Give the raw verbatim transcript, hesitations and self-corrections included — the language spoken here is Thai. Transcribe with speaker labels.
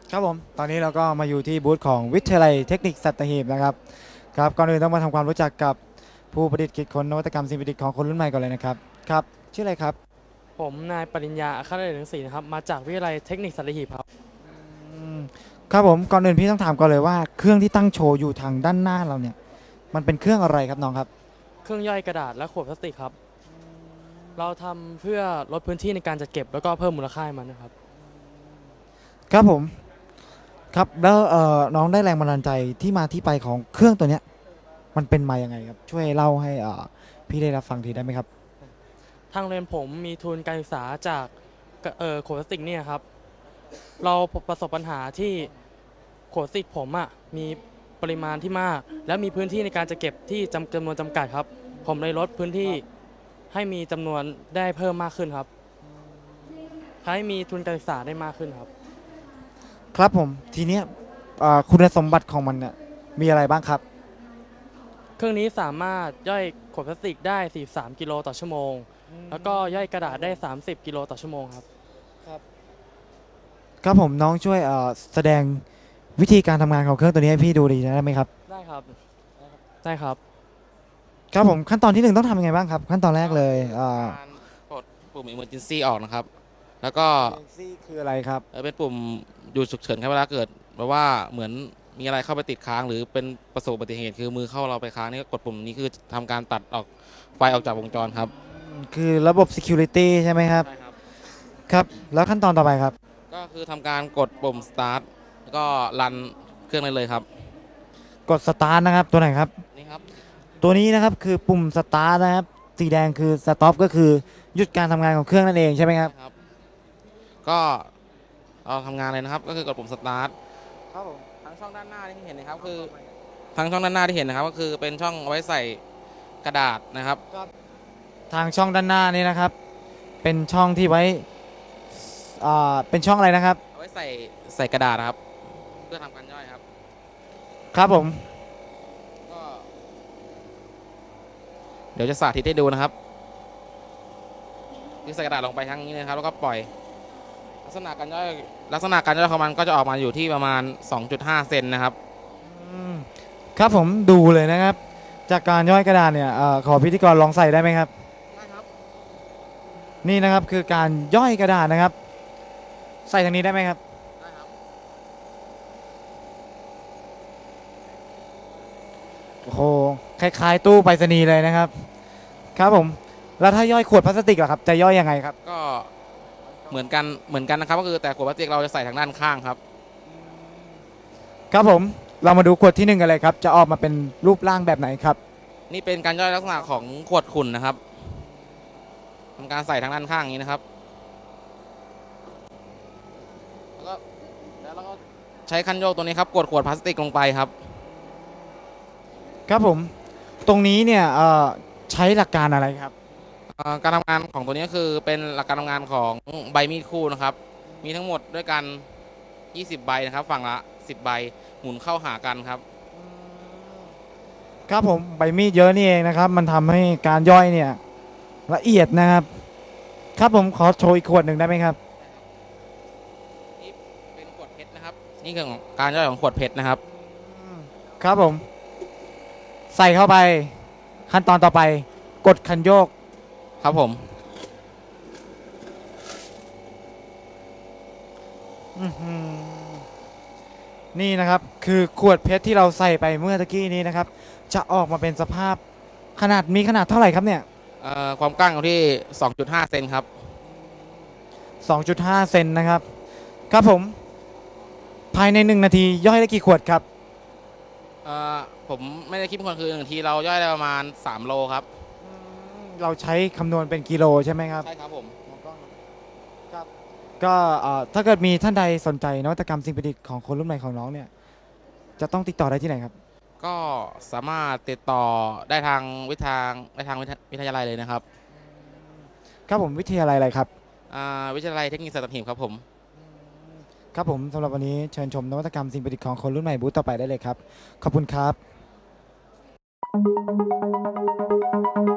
Speaker 1: ครับผมตอนนี้เราก็มาอยู่ที่บูธของวิทยาลัยเทคนิคสัตหีบนะครับครับก่อนอื่นต้องมาทำความรู้จักกับผู้ประดิษฐ์คิดค้นนวัตกรรมสิ่งประดิษฐ์ของคนรุ่นใหม่ก่อนเลยนะครับครับชื่ออะไรครับ
Speaker 2: ผมนายปริญญาอัครเดชหนังสีนะครับมาจากวิทยาลัยเทคนิคสัตหีบครับ
Speaker 1: อืมครับผมก่อนอื่นพี่ต้องถามก่อนเลยว่าเครื่องที่ตั้งโชว์อยู่ทางด้านหน้าเราเนี่ยมันเป็นเครื่องอะไรครับน้องครับ
Speaker 2: เครื่องย่อยกระดาษและขวดพลาสติกครับเราทำเพื่อลดพื้นที่ในการจัดเก็บแล้วก็เพิ่มมูลค่าให้มันนะครับ
Speaker 1: ครับผมครับแล้วเอ่อน้องได้แรงบันดาลใจที่มาที่ไปของเครื่องตัวเนี้ยมันเป็นมายังไงครับช่วยเล่าให้อ่าพี่ได้รับฟังทีได้ไหมครับ
Speaker 2: ทางเรียนผมมีทุนการศึกษาจากเอ่อขวดพลาสติกเนี่ยครับเราประสบปัญหาที่ขวดพลาสติกผมอ่ะมีปริมาณที่มากและมีพื้นที่ในการจะเก็บที่จำจำนวนจำกัดครับผมเลยลดพื้นที่ให้มีจำนวนได้เพิ่มมากขึ้นครับให้มีทุนการศึกษาได้มากขึ้นครับ
Speaker 1: ครับผมทีเนี้ยอ่าคุณสมบัติของมันเนี่ยมีอะไรบ้างครับ
Speaker 2: เครื่องนี้สามารถย่อยขวดพลาสติกได้สี่สิบสามกิโลต่อชั่วโมงแล้วก็ย่อยกระดาษได้สามสิบกิโลต่อชั่วโมงครับ
Speaker 1: ครับผมน้องช่วยเอ่อแสดงวิธีการทำงานของเครื่องตัวนี้ให้พี่ดูดีได้ไหมครับ
Speaker 2: ได้ครับได้ครับ
Speaker 1: ครับผมขั้นตอนที่หนึ่งต้องทำยังไงบ้างครับขั้นตอนแรกเลยอ่า
Speaker 3: การกดปุ่ม Emergency ออกนะครับแล้วก็
Speaker 1: ซี่คืออะไรครับ
Speaker 3: เอ่อเป็นปุ่มหยุดฉุกเฉินครับเวลาเกิดแบบว่าเหมือนมีอะไรเข้าไปติดค้างหรือเป็นประสบอุบัติเหตุคือมือเข้าเราไปค้างนี่ก็กดปุ่มนี้คือทำการตัดออกไฟออกจากวงจรครับ
Speaker 1: คือระบบ security ใช่ไหมครับ
Speaker 3: ใช่ครับ
Speaker 1: ครับแล้วขั้นตอนต่อไปครับ
Speaker 3: ก็คือทำการกดปุ่ม start แล้วก็รันเครื่องได้เลยครับ
Speaker 1: กด start นะครับตัวไหนครับ
Speaker 3: นี่ครับ
Speaker 1: ตัวนี้นะครับคือปุ่ม start นะครับสีแดงคือ stop ก็คือหยุดการทำงานของเครื่องนั่นเองใช่ไหมครับ
Speaker 3: ครับก็เราทำงานเลยนะครับก็คือกดปุ่ม start
Speaker 1: ครับผม
Speaker 3: ทางช่องด้านหน้าที่เห็นนะครับคือทางช่องด้านหน้าที่เห็นนะครับก็คือเป็นช่องเอาไว้ใส่กระดาษนะครับ
Speaker 1: ทางช่องด้านหน้านี้นะครับเป็นช่องที่ไว้อ่าเป็นช่องอะไรนะครับ
Speaker 3: เอาไว้ใส่ใส่กระดาษครับเพื่อทำการย่อยครับ
Speaker 1: ครับผม
Speaker 3: ก็เดี๋ยวจะสาธิตให้ดูนะครับคือใส่กระดาษลงไปทั้งนี้นะครับแล้วก็ปล่อยลักษณะการย่อยลักษณะการย่อยของมันก็จะออกมาอยู่ที่ประมาณ สองจุดห้า เซนนะครับ
Speaker 1: ครับผมดูเลยนะครับจากการย่อยกระดาษเนี่ยอขอพิธีกรลองใส่ได้ไหมครับ
Speaker 3: ได้ครับ
Speaker 1: นี่นะครับคือการย่อยกระดาษนะครับใส่ทางนี้ได้ไหมครับ
Speaker 3: ได้ครับ
Speaker 1: โอ้โหคล้ายๆตู้ไปรษณีย์เลยนะครับครับผมแล้วถ้าย่อยขวดพลาสติกล่ะครับจะย่อยยังไงครับ
Speaker 3: ก็เหมือนกันเหมือนกันนะครับก็คือแต่ขวดพลาสติกเราจะใส่ทางด้านข้างครับ
Speaker 1: ครับผมเรามาดูขวดที่หนึ่งกันเลยครับจะออกมาเป็นรูปร่างแบบไหนครับ
Speaker 3: นี่เป็นการย่อยลักษณะของขวดขุ่นนะครับทำการใส่ทางด้านข้างอย่างนี้นะครับแล้วก็แล้วเราก็ใช้คันโยกตัวนี้ครับกดขวดพลาสติกลงไปครับ
Speaker 1: ครับผมตรงนี้เนี่ยใช้หลักการอะไรครับ
Speaker 3: การทำงานของตัวนี้ก็คือเป็นหลักการทำงานของใบมีดคู่นะครับมีทั้งหมดด้วยกันยี่สิบใบนะครับฝั่งละสิบใบหมุนเข้าหากันครับ
Speaker 1: ครับผมใบมีดเยอะนี่เองนะครับมันทำให้การย่อยเนี่ยละเอียดนะครับครับผมขอโชว์อีกขวดหนึ่งได้ไหมครับ
Speaker 3: นี่เป็นขวดเพชรนะครับนี่คือการย่อยของขวดเพชรนะครับ
Speaker 1: ครับผมใส่เข้าไปขั้นตอนต่อไปกดคันโยก
Speaker 3: ครับผม
Speaker 1: นี่นะครับคือขวดเพชรที่เราใส่ไปเมื่อตะกี้นี้นะครับจะออกมาเป็นสภาพขนาดมีขนาดเท่าไหร่ครับเนี่ย
Speaker 3: ความกว้างอยู่ที่ สองจุดห้า เซนครับ
Speaker 1: สองจุดห้า เซนนะครับครับผมภายในหนึ่งนาทีย่อยได้กี่ขวดครับ
Speaker 3: ผมไม่ได้คิดเป็นคนคือหนึ่งทีเราย่อยได้ประมาณสามโลครับ
Speaker 1: เราใช้คำนวณเป็นกิโลใช่ไหมครับ
Speaker 3: ใช่ครับผม
Speaker 1: ครับก็ถ้าเกิดมีท่านใดสนใจนวัตกรรมสิ่งประดิษฐ์ของคนรุ่นใหม่ของน้องเนี่ยจะต้องติดต่อได้ที่ไหนครับ
Speaker 3: ก็สามารถติดต่อได้ทางวิทางได้ทางวิทยาลัยเลยนะครับ
Speaker 1: ครับผมวิทยาลัยอะไรครับ
Speaker 3: วิทยาลัยเทคนิคสัตหีบครับผม
Speaker 1: ครับผมสำหรับวันนี้เชิญชมนวัตกรรมสิ่งประดิษฐ์ของคนรุ่นใหม่บูธต่อไปได้เลยครับขอบคุณครับ